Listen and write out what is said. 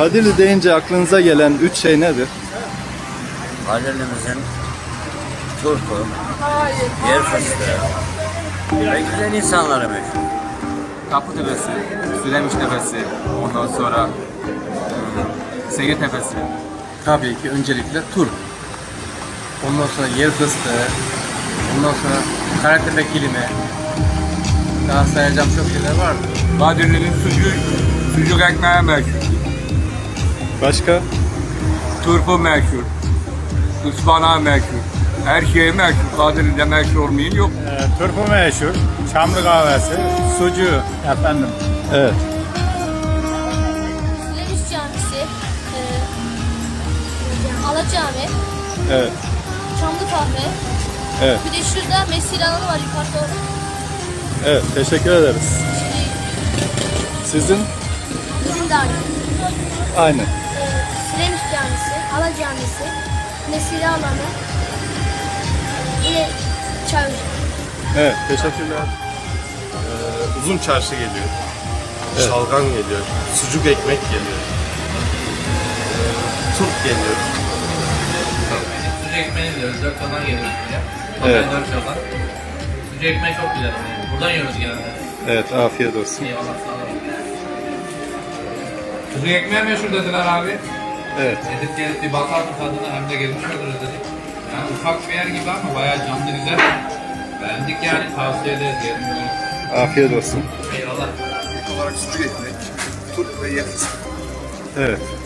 Kadirli deyince aklınıza gelen 3 şey nedir? Kadirli'mizin turpu, yer fıstığı ve güzel insanları meşhur. Kapıtepesi, Sülemiş Tepesi, ondan sonra Sege Tepesi. Tabii ki öncelikle turp. Ondan sonra yer fıstığı. Ondan sonra Karatepe kilimi. Daha sayacağım çok şeyler vardı. Kadirli'nin sucuk ekmeği meşhur. Başka? Turpu meşhur. Ispanağı meşhur. Her şey meşhur. Kadirli'de meşhur olmayan yok. Turpu meşhur, Çamlı kahvesi, sucuğu efendim. Evet. Sülemiş Camisi, Ala Cami, Evet. Çamlı Kahve. Evet. Bir de şurada mesire alanı var yukarıda. Evet. Teşekkür ederiz. Şimdi Sizin? bizim de aynı. Aynı. Sülemiş Camisi, Ala Camisi, mesire alanı. Yine çay ocağı. Evet. Teşekkürler. Uzun çarşı geliyor. Şalgam geliyor. Sucuk ekmek geliyor. Turp geliyor. Sucuk ekmeğini biliyoruz. 4 yoldan geliyoruz buraya. Evet. 4 yoldan. Sucuk ekmeği çok güzel. Buradan yiyoruz genelde. Evet. Afiyet olsun. Eyvallah sağ olun. Sucuk ekmeği meşhur dediler abi. Evet. Dedik gelip bir bakar mı tadına hem de gelmiş oluruz dedik. Yani ufak bir yer gibi ama bayağı canlı güzel. Beğendik yani tavsiye ederiz. Gelin. Afiyet olsun. Eyvallah. İlk olarak sucuk ekmek, turp ve yer fıstığı. Evet.